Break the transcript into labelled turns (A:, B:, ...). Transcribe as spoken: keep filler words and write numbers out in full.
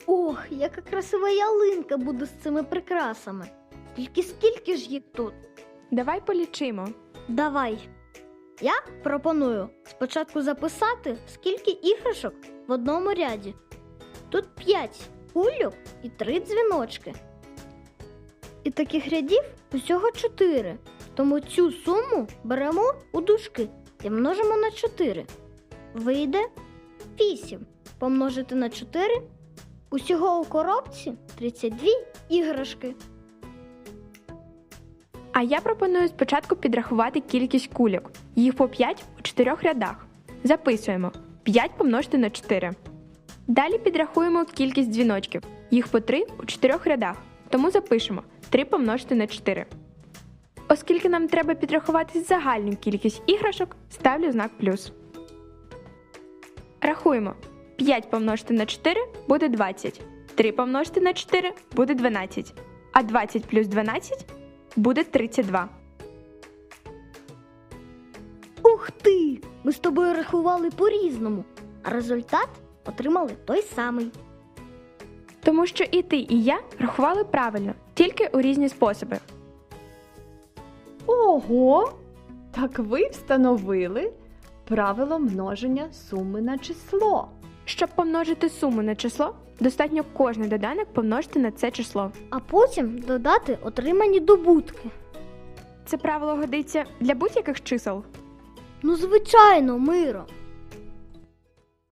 A: Ох, яка красива ялинка буде з цими прикрасами. Тільки скільки ж їх тут?
B: Давай полічимо.
A: Давай. Я пропоную спочатку записати, скільки іграшок в одному ряді. Тут п'ять кульок і три дзвіночки. І таких рядів усього чотири. Тому цю суму беремо у дужки і множимо на чотири. Вийде вісім. Помножити на чотири. Усього у коробці тридцять дві іграшки.
B: А я пропоную спочатку підрахувати кількість кульок. Їх по п'ять у чотирьох рядах. Записуємо. п'ять помножити на чотири. Далі підрахуємо кількість дзвіночків. Їх по три у чотирьох рядах. Тому запишемо три помножити на чотири. Оскільки нам треба підрахувати загальну кількість іграшок, ставлю знак плюс. Рахуємо. п'ять помножити на чотири буде двадцять. три помножити на чотири буде дванадцять. А двадцять плюс дванадцять буде тридцять два.
A: Ух ти! Ми з тобою рахували по-різному, а результат отримали той самий.
B: Тому що і ти, і я рахували правильно, тільки у різні способи.
C: Ого! Так ви встановили правило множення суми на число.
B: Щоб помножити суму на число, достатньо кожний доданок помножити на це число.
A: А потім додати отримані добутки.
B: Це правило годиться для будь-яких чисел.
A: Ну, звичайно, Миро.